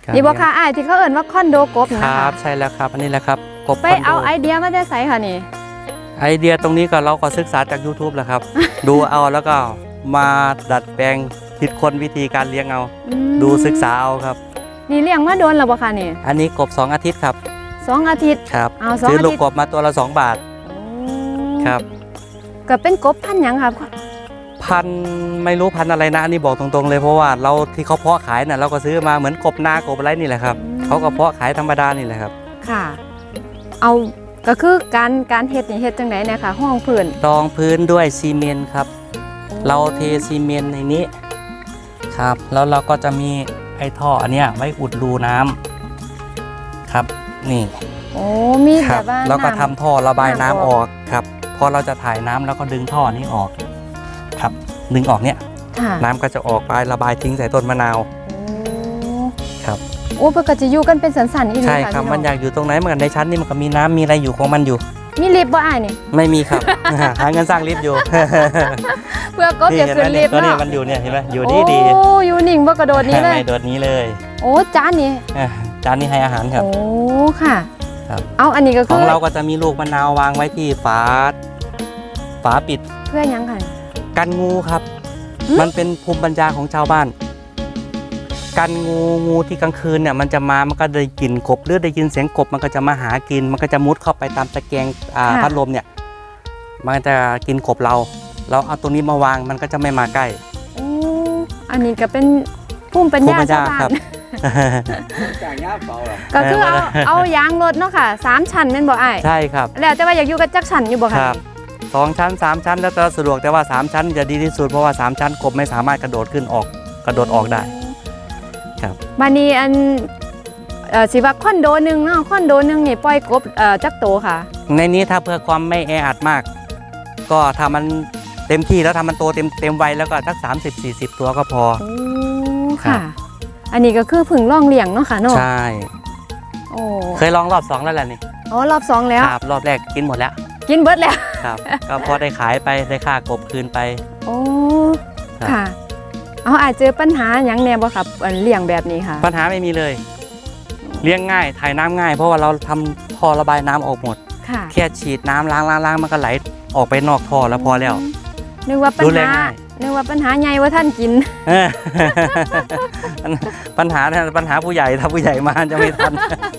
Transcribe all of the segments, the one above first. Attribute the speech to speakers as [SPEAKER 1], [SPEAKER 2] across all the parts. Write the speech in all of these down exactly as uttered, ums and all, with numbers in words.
[SPEAKER 1] นี่บอกค่ะไอ้ที่เขาเอ่นว่าคอนโดกบนะครับ
[SPEAKER 2] ใช่แล้วครับอันนี้แหละครับกบ
[SPEAKER 1] ไปเอาไอเดียมาได้ใส่ค่ะนี่
[SPEAKER 2] ไอเดียตรงนี้ก็เราก็ศึกษาจาก ยูทูบ แหละครับ ดูเอาแล้วก็มาดัดแปลงคิดค้นวิธีการเลี้ยงเอาดูศึกษาเอาครับ
[SPEAKER 1] นี่เลี้ยงมาโดนหรือเปล่าคะนี่
[SPEAKER 2] อันนี้กบสองอาทิตย์ครับ
[SPEAKER 1] สองอาทิตย์
[SPEAKER 2] ครับซื้อลูกกบมาตัวละสองบาทครับ
[SPEAKER 1] ก็เป็นกบพันธุ์ยังครับ
[SPEAKER 2] พันไม่รู้พันอะไรนะอันนี้บอกตรงๆเลยเพราะว่าเราที่เขาเพาะขายน่ะเราก็ซื้อมาเหมือนกบนากบอะไรนี่แหละครับเขาก็เพาะขายธรรมดานี่แหละครับ
[SPEAKER 1] ค่ะเอาก็คือการการเฮ็ดนี่เฮ็ดจังไหนเนี่ยค่ะห้องพื้น
[SPEAKER 2] รองพื้นด้วยซีเมนต์ครับเราเทซีเมนต์ในนี้ครับแล้วเราก็จะมีไอ้ท่ออันเนี้ยไว้อุดรูน้ำครับนี่
[SPEAKER 1] โอ้มีแบบว่า
[SPEAKER 2] แล้วก็ทำท่อระบายน้ำออกครับพอเราจะถ่ายน้ำแล้วก็ดึงท่อนี้ออกครับดึงออกเนี้ยน้ำก็จะออกไประบายทิ้งใส่ต้นมะนาวครับ
[SPEAKER 1] โอ้เพื่อก็จะอยู่กันเป็นสันๆอีก
[SPEAKER 2] ใช่ครับมันอยากอยู่ตรงไหนเหมือนในชั้นนี่มันก็มีน้ำมีอะไรอยู่ของมันอยู่
[SPEAKER 1] มีลิฟต์บ่อ้ายนี่
[SPEAKER 2] ไม่มีครับ หาเงินสร้างลิฟต์อยู่
[SPEAKER 1] เพื่อก็จะขึ้นลิฟต์
[SPEAKER 2] เนาะนี่มันอยู่เนี่ยเห็นไหมอยู่ดีดี
[SPEAKER 1] โอ้อยู่นิ่งบ่กระโดดนี้เลย
[SPEAKER 2] ไม่โดดนี้เลย
[SPEAKER 1] โอ้จานนี้
[SPEAKER 2] จานนี้ให้อาหารครับ
[SPEAKER 1] โอ้ค่ะ
[SPEAKER 2] ครับ
[SPEAKER 1] เอาอันนี้ก็คือ
[SPEAKER 2] ของเราก็จะมีลูกมะนาววางไว้ที่ฝาฝาปิด
[SPEAKER 1] เพื่อยังค่ะ
[SPEAKER 2] กันงูครับมันเป็นภูมิปัญญาของชาวบ้านกันงูงูที่กลางคืนเนี่ยมันจะมามันก็ได้กลิ่นกบหรือได้ยินเสียงกบมันก็จะมาหากินมันก็จะมุดเข้าไปตามตะแกรงพัดลมเนี่ยมันจะกินกบเราเราเอาตัวนี้มาวางมันก็จะไม่มาใกล้
[SPEAKER 1] อันนี้ก็เป็นภูมิปัญญาชาวบ้านก็คือเอาเอายางรถเนาะค่ะสามชั้นเป็นบ่อ้าย
[SPEAKER 2] ใช่ครับ
[SPEAKER 1] แล้วแต่ว่าอยากอยู่กับจักชั้นอยู่บ่ค่ะ
[SPEAKER 2] สองชั้นสามชั้นแล้วแต่สะดวกแต่ว่าสามชั้นจะดีที่สุดเพราะว่าสามชั้นกบไม่สามารถกระโดดขึ้นออกกระโดดออกได้ครับ
[SPEAKER 1] บานีอันสิว่าคอนโดนึงเนาะคอนโดนึงนี่ปล่อยกบจักโตค่ะ
[SPEAKER 2] ในนี้ถ้าเพื่อความไม่แออัดมากก็ทำมันเต็มที่แล้วทำมันโตเต็มเต็มวัยแล้วก็สักสามสิบสี่สิบตัวก็พอ
[SPEAKER 1] โอ้ค่ะอันนี้ก็คือผึ่งล่องเลี้ยงเนาะค่ะเนาะ
[SPEAKER 2] ใช่โอ้เคยลองรอบสองแล้วแหละนี่
[SPEAKER 1] อ๋อรอบสองแล้ว
[SPEAKER 2] ครับรอบแรกกินหมดแล้ว
[SPEAKER 1] กินเบิดแล้ว
[SPEAKER 2] ครับก็พอได้ขายไปได้ค่ากบคืนไป
[SPEAKER 1] โอ้ค่ะเอาอาจเจอปัญหาอย่างแน่บ่ครับเลี้ยงแบบนี้ค่ะ
[SPEAKER 2] ปัญหาไม่มีเลยเลี้ยงง่ายถ่ายน้ำง่ายเพราะว่าเราทำท่อระบายน้ำออกหมดแค่ฉีดน้ำล้างล้างล้างมันก็ไหลออกไปนอกท่อแล้วพอแล้ว
[SPEAKER 1] นึกว่าปัญหานึกว่าปัญหาใหญ่ว่าท่านกิน
[SPEAKER 2] ปัญหาปัญหาผู้ใหญ่ถ้าผู้ใหญ่มาจะไม่ทัน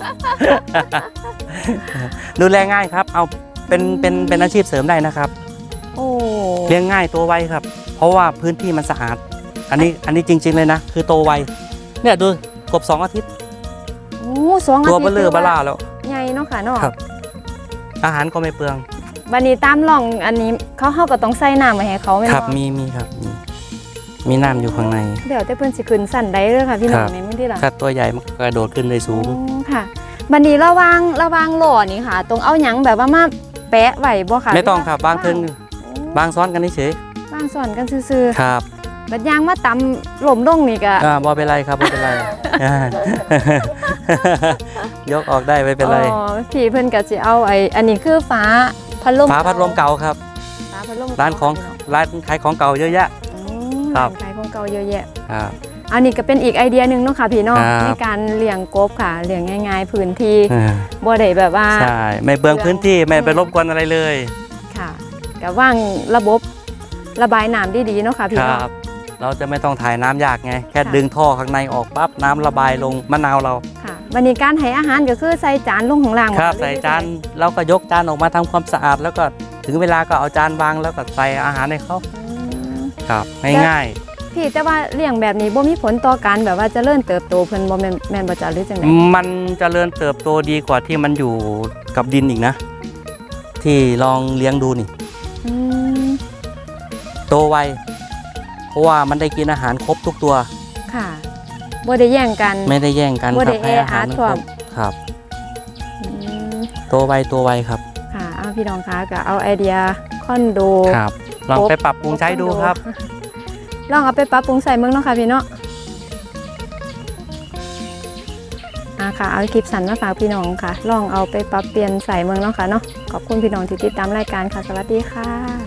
[SPEAKER 2] ดูแลง่ายครับเอาเป็นเป็นเป็นอาชีพเสริมได้นะครับ
[SPEAKER 1] โอ้
[SPEAKER 2] เลี้ยงง่ายตัวไวครับเพราะว่าพื้นที่มันสะอาดอันนี้อันนี้จริงๆเลยนะคือโตไวเนี่ยดูกบสองอาทิตย์
[SPEAKER 1] โอ้สองอาทิตย์
[SPEAKER 2] ตัวเบลเลอร์บล่าแล้ว
[SPEAKER 1] ใหญ่เนาะค่ะเนาะ
[SPEAKER 2] อาหารก็ไม่เปลือง
[SPEAKER 1] วันนี้ตามล่องอันนี้เขาเข้าก็ต้องใส่น้ำไว้ให้เขาไหม
[SPEAKER 2] ครับมีมีครับมีมีน้ำอยู่ข้างใน
[SPEAKER 1] เดี๋ยวแต่เพื่อนสิขึ้นสั่นได้เลยค่ะพี่น้องในมื้อที่หลัง
[SPEAKER 2] ถ้าตัวใหญ่มันกระโดดขึ้นได้สูง
[SPEAKER 1] ค่ะวันนี้ระวังระวังหล่อนี่ค่ะตรงเอาหยังแบบว่ามาแปะไว้บ่ค่ะ
[SPEAKER 2] ไม่ต้องครับบางเทิงบางซ้อนกันเฉย
[SPEAKER 1] บางซ้อนกันซื่อ
[SPEAKER 2] ๆครับ
[SPEAKER 1] บัดยางมาตำหล่มลงนี่ก็
[SPEAKER 2] อ่าบ่เป็นไรครับบ่เป็นไรยกออกได้ไม่เป็นไร
[SPEAKER 1] อ๋อพี่เพิ่นก็สิเอาไอ้อันนี้คือฟ้าพัดลม
[SPEAKER 2] ฝาพัดลมเก่าครับร้านของร้านขายของเก่าเยอะแยะ
[SPEAKER 1] ครับขายของเก่าเยอะแยะครับอันนี้ก็เป็นอีกไอเดียหนึ่งเนาะค่ะพี่น้องในการเลี้ยงกบค่ะเลี้ยงง่ายๆพื้นที่บ่ได้แบบว่า
[SPEAKER 2] ใช่ไม่เบืองพื้นที่ไม่ไปรบกวนอะไรเลย
[SPEAKER 1] ค่ะก็ว่างระบบระบายน้ำดีๆเนาะค่ะพี่น้อง
[SPEAKER 2] เราจะไม่ต้องถ่ายน้ำยากไงแค่ดึงท่อข้างในออกปั๊บน้ำระบายลงมะนาวเรา
[SPEAKER 1] ค่ะวันนี้การให้อาหารก็คือใส่จานลงของล่าง
[SPEAKER 2] ครับใส่จานเราก็ยกจานออกมาทำความสะอาดแล้วก็ถึงเวลาก็เอาจานวางแล้วก็ใส่อาหารให้เขาครับง่าย
[SPEAKER 1] ๆพี่แต่ว่าเลี้ยงแบบนี้บ่มีผลต่อการแบบว่าเจริญเติบโตเพิ่นบ่แม่นแม่นบ่จ้ะหรือจังได๋
[SPEAKER 2] มันเจริญเติบโตดีกว่าที่มันอยู่กับดินอีกนะที่ลองเลี้ยงดูนี่โตไวเพราะว่ามันได้กินอาหารครบทุกตัว
[SPEAKER 1] ค่ะบ่ได้แย่งกัน
[SPEAKER 2] ไม่ได้แย่งกัน
[SPEAKER 1] บ่ได้แออัดครับ
[SPEAKER 2] ครับโตไวตัวไวครับ
[SPEAKER 1] ค่ะเอาพี่น้องคะก็เอาไอเดียคอนโด
[SPEAKER 2] ครับลองไปปรับปรุงใช้ดูครับ
[SPEAKER 1] ลองเอาไปปรับปรุงใส่เมืองเนาะค่ะพี่เนาะอ่าค่ะเอาคลิปสั้นมาฝากพี่น้องค่ะลองเอาไปปรับเปลี่ยนใส่เมืองเนาะค่ะเนาะขอบคุณพี่น้องที่ติดตามรายการค่ะสวัสดีค่ะ